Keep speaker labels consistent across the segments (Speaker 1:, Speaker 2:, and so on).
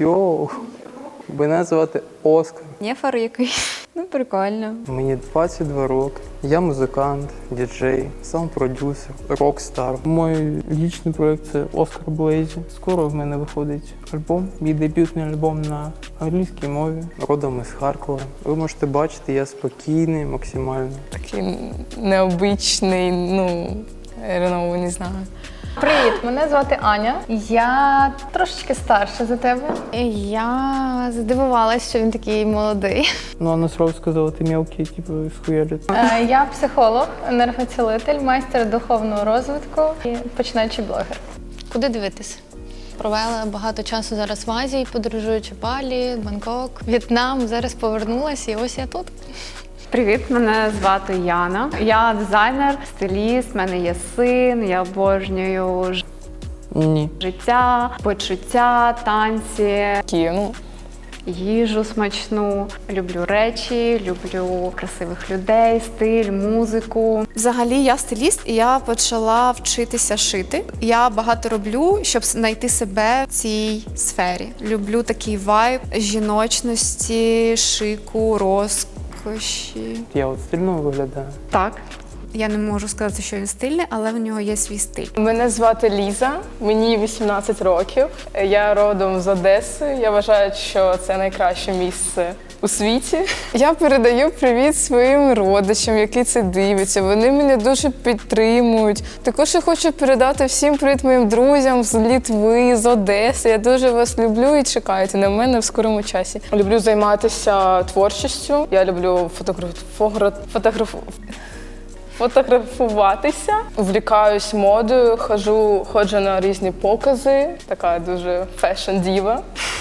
Speaker 1: Йоу, мене звати Оскар.
Speaker 2: Нефар якийсь. Ну, прикольно.
Speaker 1: Мені 22 роки. Я музикант, діджей, саунд-продюсер, рок-стар. Мій лічний проєкт – це Оскар Блейзі. Скоро в мене виходить альбом, мій дебютний альбом на англійській мові. Родом із Харкова. Ви можете бачити, я спокійний, максимально.
Speaker 3: Такий необичний, Ренову не знаю.
Speaker 4: Привіт, мене звати Аня. Я трошечки старша за тебе.
Speaker 2: Я здивувалась, що він такий молодий.
Speaker 1: Ну, а сразу сказала, ти мелкий, типу, схуялить.
Speaker 4: Я психолог, енергоцілитель, майстер духовного розвитку і починаючий блогер.
Speaker 5: Куди дивитись? Провела багато часу зараз в Азії, подорожуючи Балі, Бангкок, В'єтнам. Зараз повернулася і ось я тут.
Speaker 6: Привіт, мене звати Яна. Я дизайнер, стиліст, в мене є син, я обожнюю
Speaker 1: Ні.
Speaker 6: життя, почуття, танці,
Speaker 3: Такі,
Speaker 6: їжу смачну. Люблю речі, люблю красивих людей, стиль, музику.
Speaker 7: Взагалі я стиліст, і я почала вчитися шити. Я багато роблю, щоб знайти себе в цій сфері. Люблю такий вайб жіночності, шику, розкоші.
Speaker 1: Я от стильно виглядаю.
Speaker 6: Так.
Speaker 7: Я не можу сказати, що він стильний, але в нього є свій стиль.
Speaker 3: Мене звати Ліза, мені 18 років. Я родом з Одеси. Я вважаю, що це найкраще місце у світі. Я передаю привіт своїм родичам, які це дивляться. Вони мене дуже підтримують. Також я хочу передати всім привіт моїм друзям з Литви, з Одеси. Я дуже вас люблю і чекайте на мене в скорому часі. Люблю займатися творчістю. Я люблю фотографуватися, увлікаюсь модою, ходжу на різні покази, така дуже фешн-діва.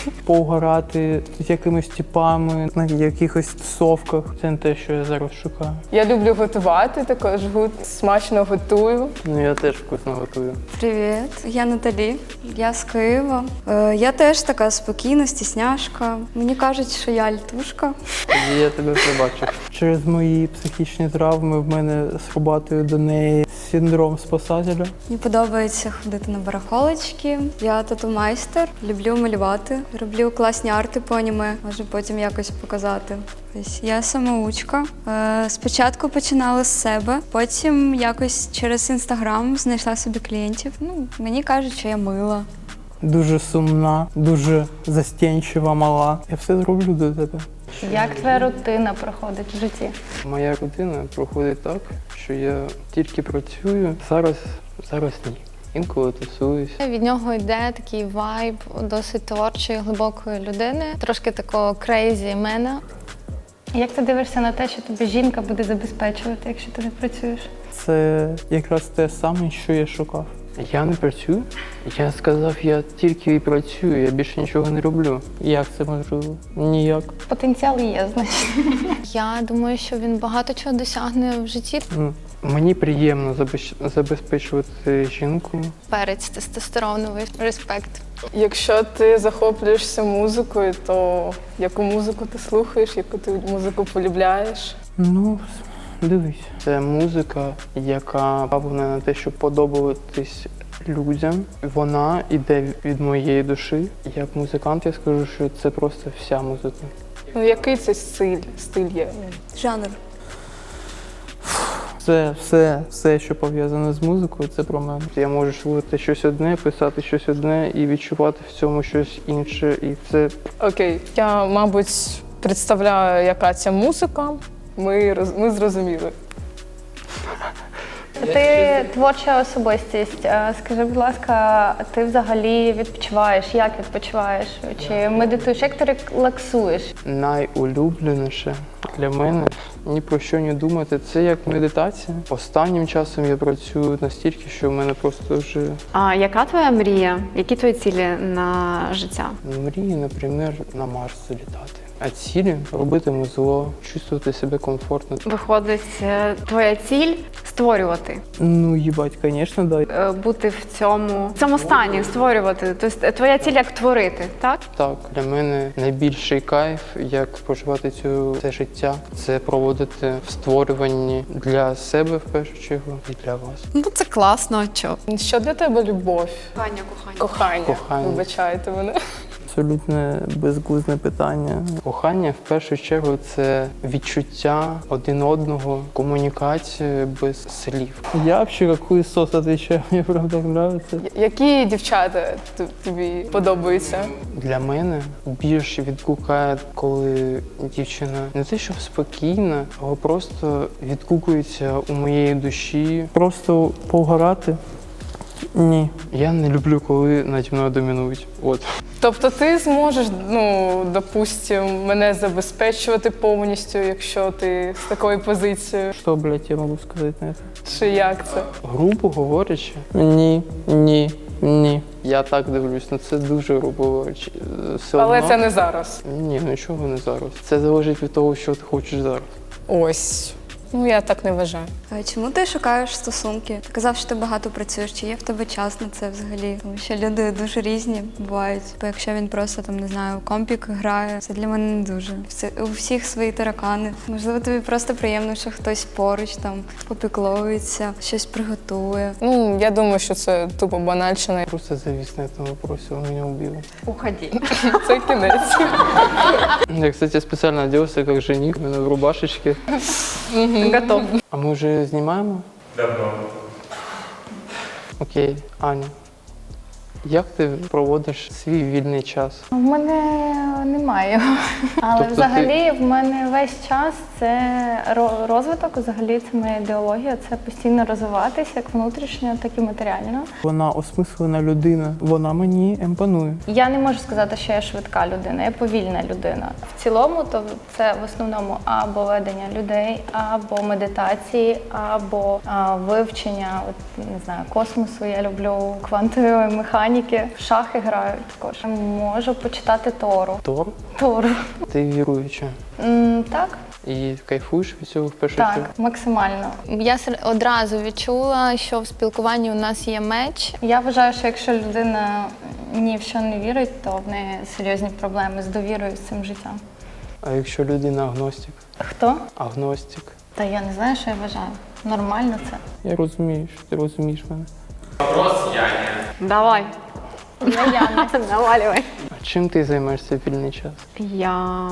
Speaker 1: Поугарати з якимись типами, на якихось тусовках. Це не те, що я зараз шукаю.
Speaker 3: Я люблю готувати, також смачно готую.
Speaker 1: Ну, я теж вкусно готую.
Speaker 2: Привіт, я Наталі, я з Києва. Я теж така спокійна, стісняшка. Мені кажуть, що я альтушка.
Speaker 1: Тоді я тебе пробачив. Через мої психічні травми в мене срубатує до неї синдром спасателя.
Speaker 2: Мені подобається ходити на барахолочки. Я тату-майстер, люблю малювати, роблю класні арти по аніме, можу потім якось показати. Ось я самоучка. Спочатку починала з себе, потім якось через Інстаграм знайшла собі клієнтів. Мені кажуть, що я мила.
Speaker 1: Дуже сумна, дуже застенчива, мала. Я все зроблю до тебе.
Speaker 4: Як твоя рутина проходить в житті?
Speaker 1: Моя рутина проходить так, що я тільки працюю. Зараз ні. Інколи тусуюсь.
Speaker 5: Від нього йде такий вайб досить творчої, глибокої людини, трошки такого крейзі мена.
Speaker 4: Як ти дивишся на те, що тобі жінка буде забезпечувати, якщо ти не працюєш?
Speaker 1: Це якраз те саме, що я шукав. Я не працюю. Я сказав, я тільки і працюю, я більше нічого не роблю. Як це можливо? Ніяк.
Speaker 4: Потенціал є, значить.
Speaker 5: Я думаю, що він багато чого досягне в житті.
Speaker 1: Мені приємно забезпечувати жінку.
Speaker 5: Перець тестостероновий, респект.
Speaker 3: Якщо ти захоплюєшся музикою, то яку музику ти слухаєш, яку ти музику полюбляєш?
Speaker 1: Ну, дивись. Це музика, яка направлена на те, щоб подобатись людям. Вона йде від моєї душі. Як музикант я скажу, що це просто вся музика.
Speaker 3: Який це стиль є?
Speaker 2: Жанр.
Speaker 1: Все, що пов'язане з музикою, це про мене. Я можу слухати щось одне, писати щось одне і відчувати в цьому щось інше. І це...
Speaker 3: Окей, я, мабуть, представляю, яка ця музика. Ми зрозуміли.
Speaker 4: Ти творча особистість. Скажи, будь ласка, ти взагалі відпочиваєш? Як відпочиваєш? Чи медитуєш? Як ти релаксуєш?
Speaker 1: Найулюбленіше для мене ні про що не думати. Це як медитація. Останнім часом я працюю настільки, що в мене просто вже...
Speaker 6: А яка твоя мрія? Які твої цілі на життя?
Speaker 1: Мрії, наприклад, на Марс залітати. А цілі – робити зло, чувствувати себе комфортно.
Speaker 6: Виходить, твоя ціль – створювати.
Speaker 1: Ну, їбать, звісно, да.
Speaker 6: Бути в цьому стані, створювати. Тобто твоя ціль як творити, так?
Speaker 1: Так, для мене найбільший кайф, як проживати це життя, це проводити в створюванні для себе, в першу чергу, і для вас.
Speaker 7: Ну це класно, а чо?
Speaker 3: Що для тебе любов?
Speaker 6: Кохання.
Speaker 3: Кохання. Вибачайте мене.
Speaker 1: абсолютно безглузне питання. Кохання в першу чергу це відчуття один одного, комунікація без слів. Я взагалі хуйсос відповідаю, мені правда подобається.
Speaker 3: Які дівчата тобі подобаються?
Speaker 1: Для мене більше відгукає, коли дівчина не те, що спокійна, але просто відгукується у моєї душі. Просто повгорати? Ні. Я не люблю, коли наді мною домінують. От.
Speaker 3: Тобто ти зможеш, допустим, мене забезпечувати повністю, якщо ти з такою позицією?
Speaker 1: Що, блядь, я можу сказати на це?
Speaker 3: Чи як це?
Speaker 1: Грубо говорячи? Ні. Я так дивлюсь, це дуже грубо говорячи. Все
Speaker 3: Але
Speaker 1: одно...
Speaker 3: це не зараз.
Speaker 1: Ні, нічого не зараз. Це залежить від того, що ти хочеш зараз.
Speaker 3: Ось. Я так не вважаю.
Speaker 2: А чому ти шукаєш стосунки? Ти казав, що ти багато працюєш. Чи є в тебе час на це взагалі? Тому що люди дуже різні бувають. Бо якщо він просто там не знаю, в компік грає, це для мене не дуже. У всіх свої таракани. Можливо, тобі просто приємно, що хтось поруч там попікловується, щось приготує.
Speaker 3: Я думаю, що це тупо банальщина.
Speaker 1: Просто завис на этом вопросе, он меня убил.
Speaker 6: Уходи.
Speaker 3: Це кінець.
Speaker 1: Я, кстати, специально оделся как жених, именно в рубашечке.
Speaker 6: Готов.
Speaker 1: А мы уже снимаем? Давно. Окей, Аня. Як ти проводиш свій вільний час?
Speaker 4: В мене немає. Але
Speaker 1: Тобто
Speaker 4: взагалі в мене весь час це розвиток, взагалі це моя ідеологія, це постійно розвиватися як внутрішньо, так і матеріально.
Speaker 1: Вона осмислена людина, вона мені імпонує.
Speaker 4: Я не можу сказати, що я швидка людина, я повільна людина. В цілому, то це в основному або ведення людей, або медитації, або вивчення, не знаю, космосу. Я люблю квантової механіки. В шахи граю також. Можу почитати Тору. Тору.
Speaker 1: Ти віруюча.
Speaker 4: Так.
Speaker 1: І кайфуєш від цього в першу
Speaker 4: Так,
Speaker 1: чергу?
Speaker 4: максимально.
Speaker 5: Я одразу відчула, що в спілкуванні у нас є меч.
Speaker 4: Я вважаю, що якщо людина ні в що не вірить, то в неї серйозні проблеми з довірою з цим життям.
Speaker 1: А якщо людина агностик?
Speaker 4: Хто?
Speaker 1: Агностик.
Speaker 4: Та я не знаю, що я вважаю. Нормально це.
Speaker 1: Я розумію, що ти розумієш мене.
Speaker 6: Давай.
Speaker 4: Я Яна.
Speaker 6: Навалювай.
Speaker 1: А чим ти займаєшся в вільний час?
Speaker 6: Я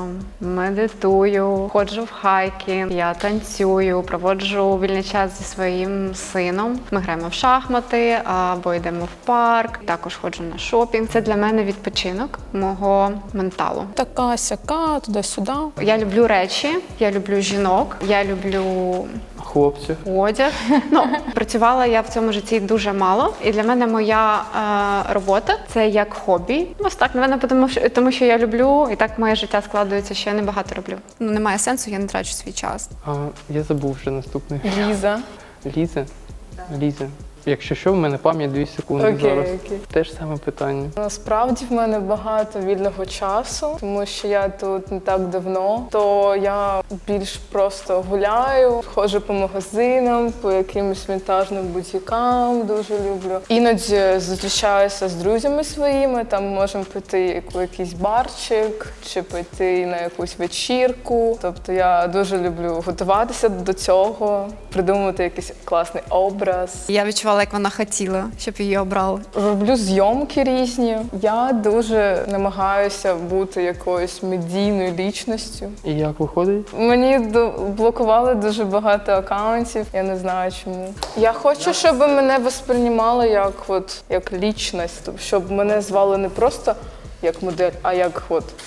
Speaker 6: медитую, ходжу в хайки, я танцюю, проводжу вільний час зі своїм сином. Ми граємо в шахмати або йдемо в парк. Також ходжу на шопінг. Це для мене відпочинок мого менталу.
Speaker 3: Така сяка, туди-сюди.
Speaker 6: Я люблю речі, я люблю жінок, я люблю
Speaker 1: Хлопців.
Speaker 6: одяг. Працювала я в цьому житті дуже мало, і для мене моя робота це як хобі. Ось так, напевно, тому що я люблю, і так моє життя складується, що я небагато роблю.
Speaker 7: Немає сенсу, я не трачу свій час.
Speaker 1: Я забув вже наступний.
Speaker 3: Ліза.
Speaker 1: Ліза? Ліза. Якщо що, в мене пам'ять 2 секунди зараз.
Speaker 3: Окей.
Speaker 1: Те ж саме питання.
Speaker 3: Насправді в мене багато вільного часу, тому що я тут не так давно, то я більш просто гуляю, ходжу по магазинам, по якимось вінтажним бутікам, дуже люблю. Іноді зустрічаюся з друзями своїми, там можемо піти у якийсь барчик чи піти на якусь вечірку. Тобто я дуже люблю готуватися до цього, придумувати якийсь класний образ.
Speaker 7: Я відчувала, як вона хотіла, щоб її обрали.
Speaker 3: Роблю зйомки різні. Я дуже намагаюся бути якоюсь медійною лічністю.
Speaker 1: І як виходить?
Speaker 3: Мені блокували дуже багато акаунтів, я не знаю чому. Я хочу, щоб мене восприймали як лічність, щоб мене звали не просто як модель, а як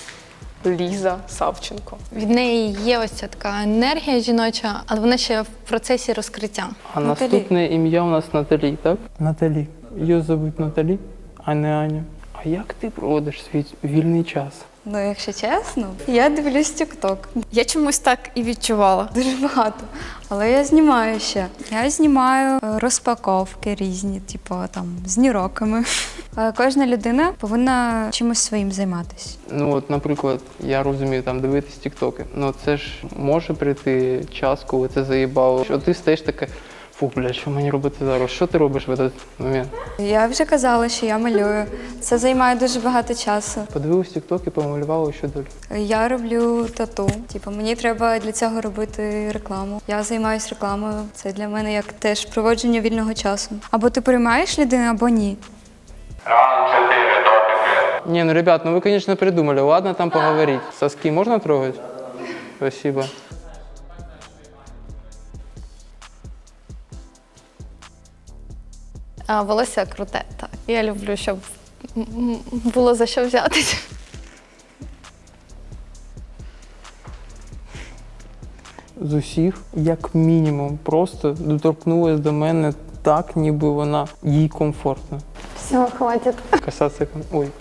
Speaker 3: Ліза Савченко.
Speaker 5: Від неї є ось ця така енергія жіноча, але вона ще в процесі розкриття.
Speaker 1: А наступне ім'я у нас Наталі, так? Наталі. Її звуть Наталі, а не Аня. А як ти проводиш свій вільний час?
Speaker 2: Якщо чесно, я дивлюсь TikTok.
Speaker 7: Я чомусь так і відчувала.
Speaker 2: Дуже багато. Але я знімаю ще. Я знімаю розпаковки різні, типу там з ніроками. Кожна людина повинна чимось своїм займатися.
Speaker 1: Наприклад, я розумію, дивитись тіктоки. Це ж може прийти час, коли це заїбало. Що ти стаєш таке, фу, блядь, що мені робити зараз? Що ти робиш в цей момент?
Speaker 2: Я вже казала, що я малюю. Це займає дуже багато часу.
Speaker 1: Подивилась тікток і помалювала, що далі.
Speaker 2: Я роблю тату. Мені треба для цього робити рекламу. Я займаюся рекламою. Це для мене як теж проводження вільного часу. Або ти приймаєш людину, або ні.
Speaker 8: Раунд 4, допити.
Speaker 1: Не, ну, ребят, ну вы, конечно, придумали. Ладно, там поговорить. Соски можно трогать? Спасибо.
Speaker 5: А волосся круте, так. Я люблю, щоб було за що взятися.
Speaker 1: З усіх, як мінімум, просто доторкнулась до мене так, ніби вона їй комфортно.
Speaker 5: Все, хватить.
Speaker 1: Касатися Ой, блядь.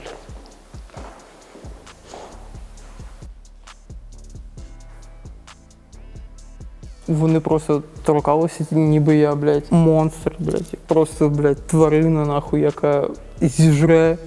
Speaker 1: Вони просто торкалися, ніби я, блядь, монстр, блядь. Просто, блядь, тварина, нахуй, яка зіжре.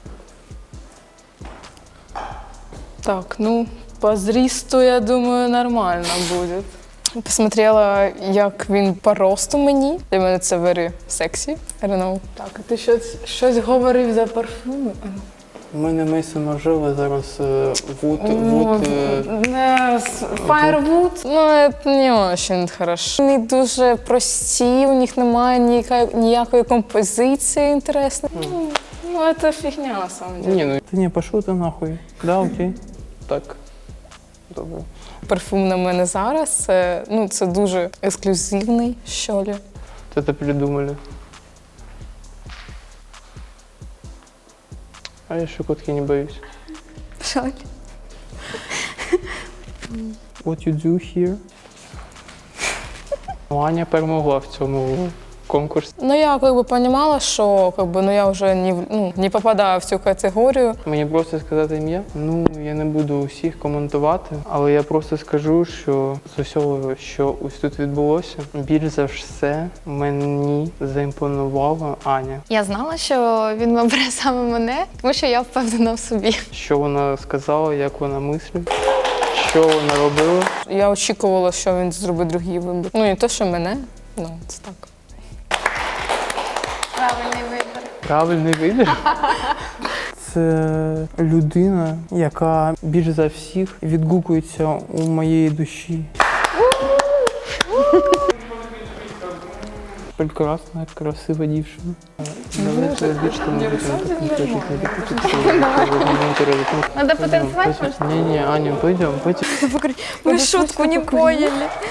Speaker 3: Так, ну, по зрісту, я думаю, нормально буде. Посмотрела, як він по росту мені. Для мене це very sexy. I don't know. Так, а ти щось говорив за парфуми?
Speaker 1: У мене Мейсон Маржела зараз
Speaker 3: Firewood, ну, це не дуже хорошо. Вони дуже прості, у них немає ніякої композиції інтересної. Ну, це фігня, на самом деле.
Speaker 1: Ні, ну ти не пішов ти нахуй. Да, окей. Так. Добре.
Speaker 3: Парфум на мене зараз, це дуже ексклюзивний, що ли.
Speaker 1: Это придумали. А я щекотки не боюсь.
Speaker 2: Жаль.
Speaker 1: What you do here? Ну, Аня перемогла в цьому конкурсі.
Speaker 3: Ну, я розуміла, що я вже не попадаю в цю категорію.
Speaker 1: Мені просто сказати ім'я? Ну, я не буду усіх коментувати, але я просто скажу, що з усього, що ось тут відбулося, більш за все мені заімпонувала Аня.
Speaker 5: Я знала, що він обере саме мене, тому що я впевнена в собі.
Speaker 1: Що вона сказала, як вона мислить, що вона робила.
Speaker 3: Я очікувала, що він зробить другий вибір. Ну, не те, що мене, це так.
Speaker 5: Правильний вибір.
Speaker 1: Правильний вибір. Це людина, яка більш за всіх відгукується у моєї душі. Прекрасна, красива дівчина. Давайте більше там не будемо.
Speaker 5: Надо потанцевать, может?
Speaker 1: Не, Аня, пойдем.
Speaker 2: Мы шутку не поняли.